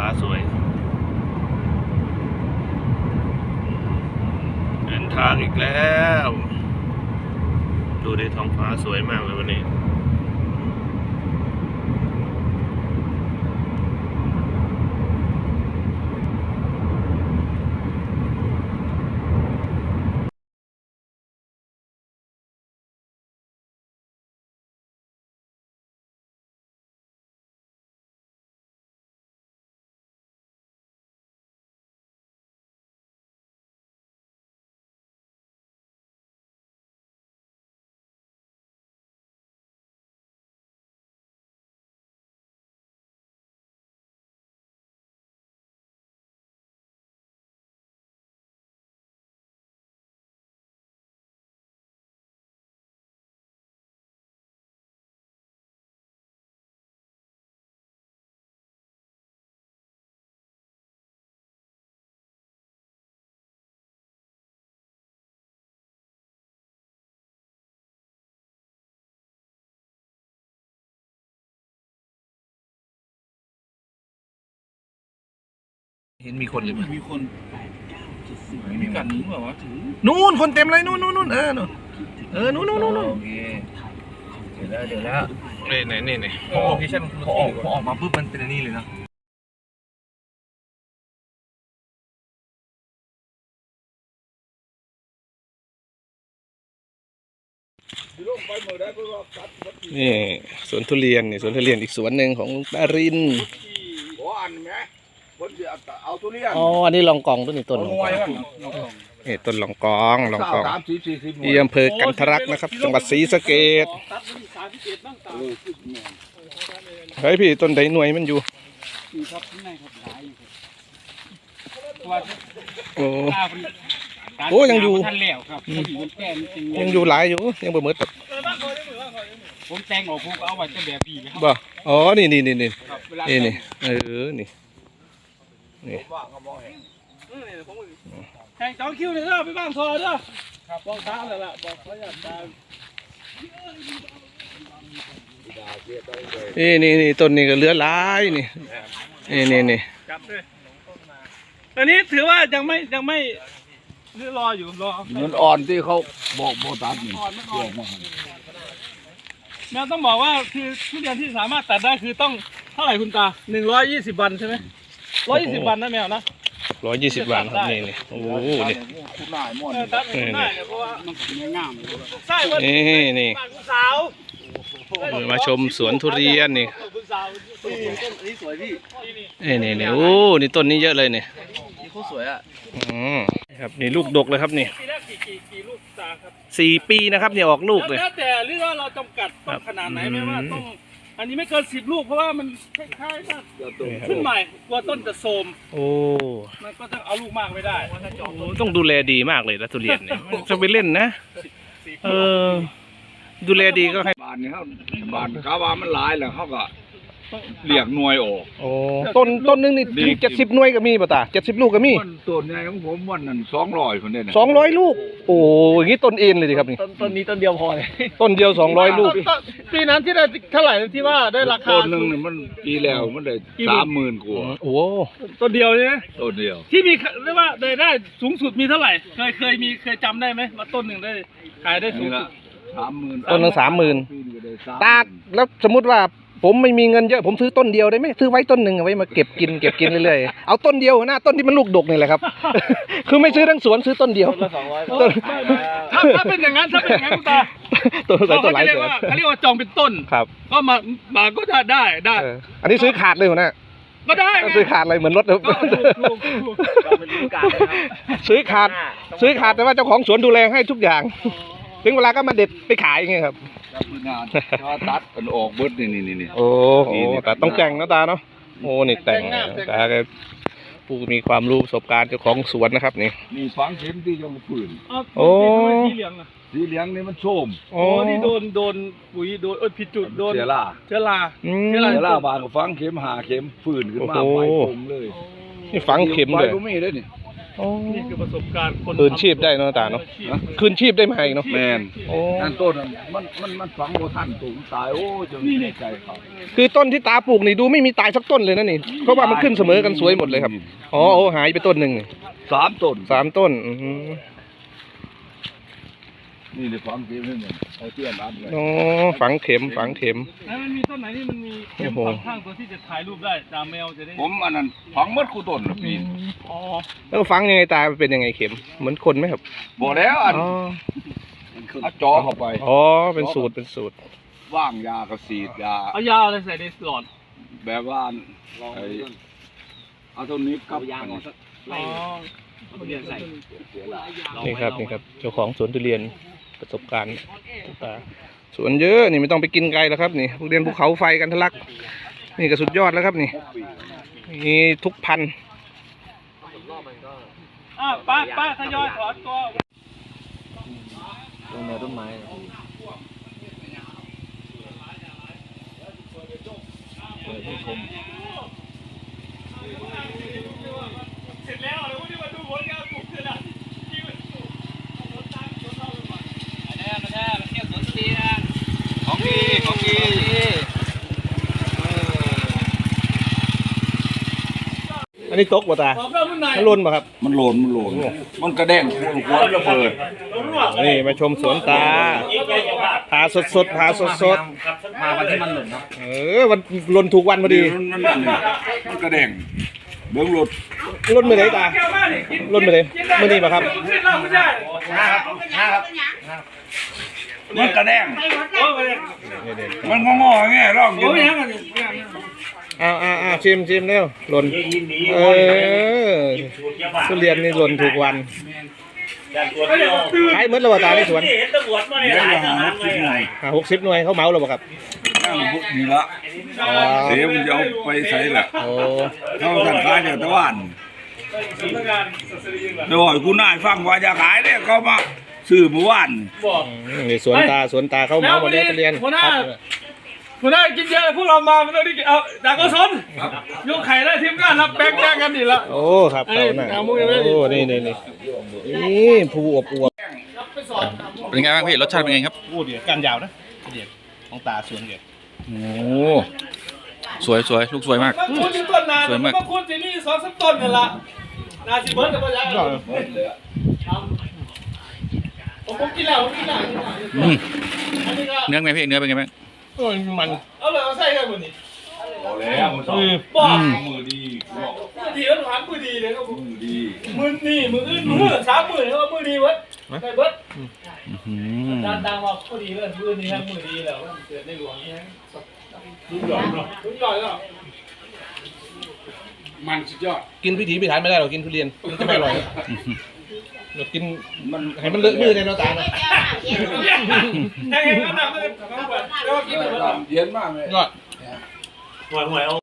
ฟ้าสวยเดินทางอีกแล้วดูดิท้องฟ้าสวยมากเลยวันนี้เห็นมีคนเลยมีคนมีกัดถึงแบบว่าถึงนู่นคนเต็มเลยนู่นนู่นนู่นนู่นโอเคเดี๋ยวแล้วนี่โลเคชั่นพอออกมาปุ๊บมันเป็นอันนี้เลยนะนี่สวนทุเรียนนี่สวนทุเรียนอีกสวนหนึ่งของลุงปารินอ๋ออันนี้ลองกองต้นนี้ต้นลองกองนี่ต้นลองกองที่อำเภอกันทรลักษณ์นะครับจังหวัดศรีสะเกษเฮ้ยพี่ต้นใดหน่วยมันอยู่โอ้ยังอยู่ยังอยู่หลายอยู่ยังบ่หมดผมแต่งออกผมเอาไว้จะแบบพี่ไหมบ่อ๋อนี่นี่นี่แข่ง2 คิวเลยเด้อไปบ้างทอเด้อบอกตาเลยล่ะบอกเขาอยากตานี่ต้นนี้ก็เหลือหลายนี่จับด้วยอันนี้ถือว่ายังไม่รออยู่รอมันอ่อนที่เขาบอกโบตัสนี่อ่อนแมวต้องบอกว่าคือทุเรียนที่สามารถตัดได้คือต้องเท่าไหร่คุณตา120 วันใช่ไหม120 วันนะแมวนะ 120 วันครับนี่โอ้โหนี่คุณนายม่วนตัดคุณนายเนี่ยเพราะว่ามันง่ายใช่วันนี่สาวมาชมสวนทุเรียนนี่นี่สวยพี่นี่โอ้นี่ต้นนี้เยอะเลยเนี่ยนี่เขาสวยอ่ะครับนี่ลูกดกเลยครับนี่ปีแรกกี่ลูกตาครับ 4 ปีนะครับเนี่ยออกลูกเลยแล้วแต่หรือว่าเราจำกัดต้นขนาดไหนไหมว่าต้องอันนี้ไม่เกิน10 ลูกเพราะว่ามันคล้ายๆว่าขึ้นใหม่กลัวต้นจะโทรมโอ้มันก็ต้องเอาลูกมากไม่ได้ต้องดูแลดีมากเลยนะทุเรียนเนี่ยจะไปเล่นนะดูแลดีก็ให้บานนี่เขาบานเขาว่ามันหลายแล้วเขาก็เรียกหน่วยออกโอ้ต้นนึงนี่70 หน่วยก็มีป่ะตา70 ลูกก็มีต้นใหญ่ของผมวันนั้น200คนเนี่ย 200 ลูกโอ้ยงี้ต้นเอ็นเลยดิครับนี่ต้นนี้ต้นเดียวพอเลยต้นเดียว200 ลูกปีนั้นที่ได้เท่าไหร่ที่ว่าได้ราคาต้นนึงเนี่ยมันปีแล้วมันได้30,000 กว่าโอ้ต้นเดียวใช่ไหมต้นเดียวที่มีเรียกว่าได้สูงสุดมีเท่าไหร่เคยจำได้ไหมว่าต้นหนึ่งได้ขายได้สูงสุด 30,000 ต้นนึง30,000ตาแล้วสมมติว่าผมไม่มีเงินเยอะผมซื้อต้นเดียวได้ไหมซื้อไว้ต้นหนึ่งเอาไว้มาเก็บกินเรื่อยๆเอาต้นเดียวนะต้นที่มันลูกดกนี่แหละครับคือไม่ซื้อทั้งสวนซื้อต้นเดียวต้นถ้าเป็นอย่างนั้นคุณตาต้นหลายเขาเรียกว่าจองเป็นต้นครับก็มาก็ได้อันนี้ซื้อขาดเลยนะก็ได้ซื้อขาดเลยเหมือนรถเลยซื้อขาดแต่ว่าเจ้าของสวนดูแลให้ทุกอย่างถึงเวลาก็มาเด็ดไปขายไงครับตัดมันออกเบิดนี่โอ้แต่ต้องแต่งนะตาเนาะโอ้นี่แต่งตาแกผู้มีความรู้ประสบการณ์เจ้าของสวนนะครับนี่ฝังเข็มที่ยังฝืนโอ้สีเหลืองนี่มันโชมโอ้นี่โดนปุ๋ยโดนผิดจุดโดนเชื้อราบางฝังเข็มหาเข็มฝืนขึ้นมาไฟผมเลยนี่ฝังเข็มเลยไม่ได้นี่โอ้นี่คือประสบการณ์คนคืนชีพได้เนาะตาเนาะคืนชีพได้มาอีกเนาะแมนโอ้นั่นต้นมันฝังบ่ทันตูมตายโอ้จนในใจเขาคือต้นที่ตาปลูกนี่ดูไม่มีตายสักต้นเลยนะนี่เพราะว่ามันขึ้นเสมอกันสวยหมดเลยครับอ๋อโอ้หายไปต้นหนึ่งนี่ 3 ต้น 3 ต้นอือหือนี่ในความจริงนี่เอาเตี้ยนรัดเลยอ๋อฝังเข็มฝังเข็มแล้วมันมีต้นไหนที่มันมีเข็มโอ้โหฝังข้างตัวที่จะถ่ายรูปได้ตามแมวจะได้ผมอันนั้นฝังหมดคู่ต้นละปีนอ๋อแล้วฝังยังไงตาเป็นยังไงเข็มเหมือนคนไหมครับบ่แล้วอันอ๋อเอาจอเข้าไปอ๋อเป็นสูตรเป็นสูตรว่างยากระสีดยาเอายาอะไรใส่ในหลอดแบบว่าไอ้เอาตัวนี้กับอันนี้อ๋อเรียนใส่นี่ครับนี่ครับเจ้าของสวนทุเรียนประสบการณ์ตาสวนเยอะนี่ไม่ต้องไปกินไกลแล้วครับนี่ทุเรียนภูเขาไฟกันทะลักนี่ก็สุดยอดแล้วครับนี่มีทุกพันธุ์ป้าทยอยถอนตัวตรงแนวต้นไม้เสร็จแล้วเดี๋ยววันนี้มาดูผลงานปลูกเสร็จแล้วของดีของดีอันนี้ตกบ่ตาขอบคุณนายมันหล่นบ่ครับมันโหลนมันกระแดงหัวระเบิดนี่มาชมสวนตาผ่าสดๆผ่าสดมาวันที่มันหล่นเนาะๆวันหล่นถูกวันพอดีมันกระแดงเบื้องรถหล่นมือไหนตาหล่นมือไหนมือนี้ป่ะครับขึ้นเราไม่ได้มันกระแดงโอ้ยมันงอๆแง่ร่องอยู่โอ้ยยังไงอ้าวชิมเร็วหล่นทุเรียนนี่หล่นถูกวันขายหมดแล้วบ่ตาในสวนเดี๋ยวอย่างนั้นคิดหน่อย 60 หน่วยเขาเหมาแล้วบ่ครับนั่งพวกนี้ละเสียมันจะเอาไปใส่แหละโอ้เขาสั่งขายจากตะวันสำนักงานศาสนาจริงเหรอเดี๋ยวให้คุณนายฟังว่าจะขายเนี่ยเขามาซื้อเมื่อวานบอกนี่สวนตาเขาเหมาหมดแล้วทุเรียนหัวหน้ากินเยอะพวกเรามาไม่ต้องได้กินเอาด่ากสนยกไข่ได้ทีมงานรับแบ่งกันดีละโอ้ครับเขาน่ะเอามุกยังไม่ได้โอ้นี่ภูอวบไปสอนเป็นไงบ้างพี่รสชาติเป็นไงครับโอ้เดี๋ยวการยาวนะเดี๋ยวของตาสวนเดี๋ยวโอ้สวยลูกสวยมากบางคนต้นนานสวยมากบางคนที่นี่2-3ต้นนั่นละนาสิเบิร์ดกับพ่อยังผมกินแล้วอืมอันนี้ก็เนื้อเป็นไงพี่เนื้อเป็นไงบ้างโอ้ยมันเอาเลยเอาใส่กันหมดนี่พอแล้วมันต้องบอกมือดีมือดีแล้วถามมือดีเลยครับผมมือดีมือนี่มืออื่นมือ3 มื้อแล้วมือดีเบิร์ดได้เบิร์ดอืมดังว่ามือดีเลยมือนี้ทั้งมือดีแล้วเกิดในหลวงนี่ฮะรุ่นใหญ่เนาะรุ่นใหญ่เนาะมันสุดยอดกินพิถีพิถันไม่ได้หรอกกินทุเรียนมันจะไม่อร่อยเรากินมันให้มันเลอะมือในเราตานะแห้งๆนั่นน่ะไม่ได้แล้วกินแบบเย็นมากเลยยอดหวยเอา